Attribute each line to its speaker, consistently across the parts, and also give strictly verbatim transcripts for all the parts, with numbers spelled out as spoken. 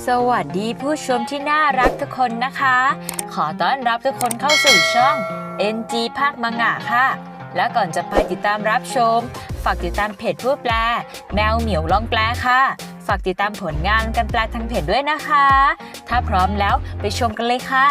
Speaker 1: สวัสดีผู้ชมที่น่ารักทุกคนนะคะ ขอต้อนรับทุกคนเข้าสู่ช่อง เอ็น จี ภาคมังงะค่ะ และก่อนจะไปติดตามรับชมฝากติดตามเพจผู้แปลแมวเหมียวลองแปลค่ะฝากติดตามผลงานการแปลทางเพจด้วยนะคะถ้าพร้อมแล้วไปชมกันเลยค่ะ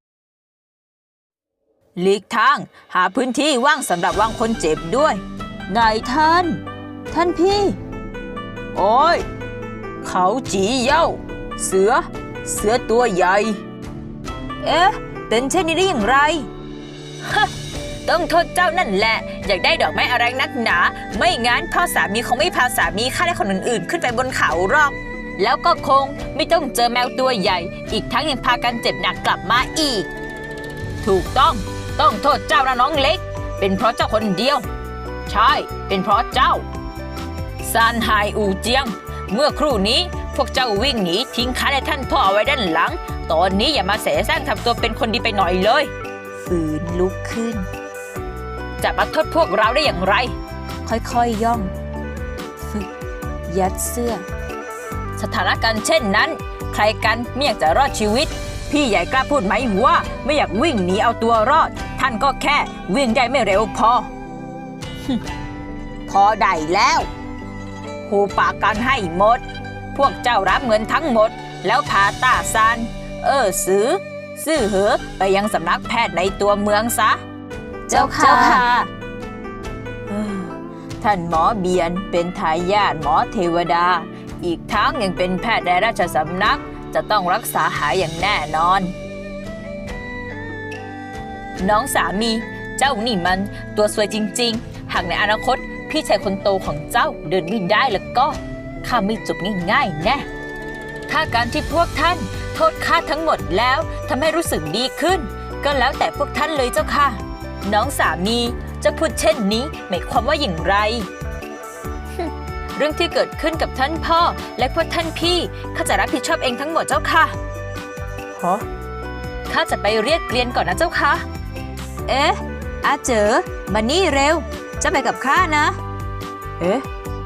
Speaker 1: หลีกทางหาพื้นที่ว่างสำหรับวางคนเจ็บด้วยนายท่านท่านพี่โอ้ยเขาจีเย่าเสือเสือตัวใหญ่เอ๊ะเป็นเช่นนี้ได้อย่างไรฮะต้องโทษเจ้านั่นแหละอยากได้ดอกไม้อะไรนักหนาไม่งั้นพ่อสามีคงไม่พาสามีข้าและคนอื่นๆขึ้นไปบนเขาหรอกแล้วก็คงไม่ต้องเจอแมวตัวใหญ่อีกทั้งยังพากันเจ็บหนักกลับมาอีกถูกต้องต้องโทษเจ้านะน้องเล็กเป็นเพราะเจ้าคนเดียวใช่เป็นเพราะเจ้าซานไฮอูเจียงเมื่อครู่นี้พวกเจ้าวิ่งหนีทิ้งข้าและท่านพ่อเอาไว้ด้านหลังตอนนี้อย่ามาแสแสร้งทำตัวเป็นคนดีไปหน่อยเลยฝืนลุกขึ้นจะมาโทษพวกเราได้อย่างไรค่อยๆย่องฝึกยัดเสื้อสถานการณ์เช่นนั้นใครกันไม่อยากจะรอดชีวิตพี่ใหญ่กล้าพูดไหมว่าไม่อยากวิ่งหนีเอาตัวรอดท่านก็แค่วิ่งได้ไม่เร็วพอ พอได้แล้วหูปากกันให้หมดพวกเจ้ารับเงินทั้งหมดแล้วพาต้าซานเออซื้อซื่อเหอไปยังสำนักแพทย์ในตัวเมืองซะเจ้าค่ะท่านหมอเบียนเป็นทายาทหมอเทวดาอีกทั้งยังเป็นแพทย์ในราชสำนักจะต้องรักษาหายอย่างแน่นอนน้องสามีเจ้านี่มันตัวสวยจริงๆหากในอนาคตพี่ชายคนโตของเจ้าเดินไม่ได้แล้วก็ข้าไม่จบง่ายๆแน่ถ้าการที่พวกท่านโทษข้าทั้งหมดแล้วทำให้รู้สึกดีขึ้นก็แล้วแต่พวกท่านเลยเจ้าค่ะน้องสามีจะพูดเช่นนี้หมายความว่าอย่างไร เรื่องที่เกิดขึ้นกับท่านพ่อและพวกท่านพี่ข้าจะรับผิดชอบเองทั้งหมดเจ้าค่ะฮะข้าจะไปเรียกเกลียนก่อนนะเจ้าค่ะเอ๊ะอาเจ๋อมานี่เร็วจะไปกับข้านะเอ๊ะ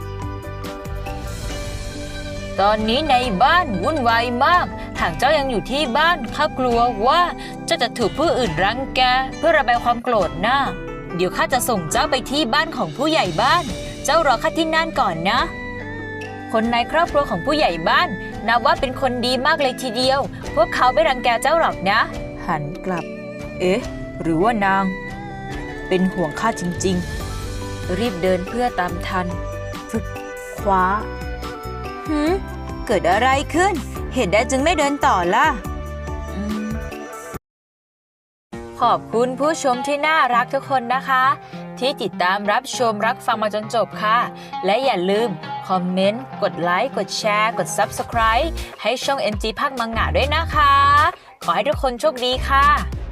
Speaker 1: ตอนนี้ในบ้านวุ่นวายมากหากเจ้ายังอยู่ที่บ้านข้ากลัวว่าเจ้าจะถูกผู้อื่นรังแกเพื่อระบายความโกรธนะเดี๋ยวข้าจะส่งเจ้าไปที่บ้านของผู้ใหญ่บ้านเจ้ารอข้าที่นั่นก่อนนะคนในครอบครัวของผู้ใหญ่บ้านนับว่าเป็นคนดีมากเลยทีเดียวพวกเขาไม่รังแกเจ้าหรอกนะหันกลับเอ๊ะหรือว่านางเป็นห่วงข้าจริงๆรีบเดินเพื่อตามทันฝึกคว้าหืมเกิดอะไรขึ้นเหตุใดจึงไม่เดินต่อล่ะขอบคุณผู้ชมที่น่ารักทุกคนนะคะที่ติดตามรับชมรับฟังมาจนจบค่ะและอย่าลืมคอมเมนต์กดไลค์กดแชร์กด ซับสไครบ์ ให้ช่อง เอ็น จี ภาคมังงะด้วยนะคะขอให้ทุกคนโชคดีค่ะ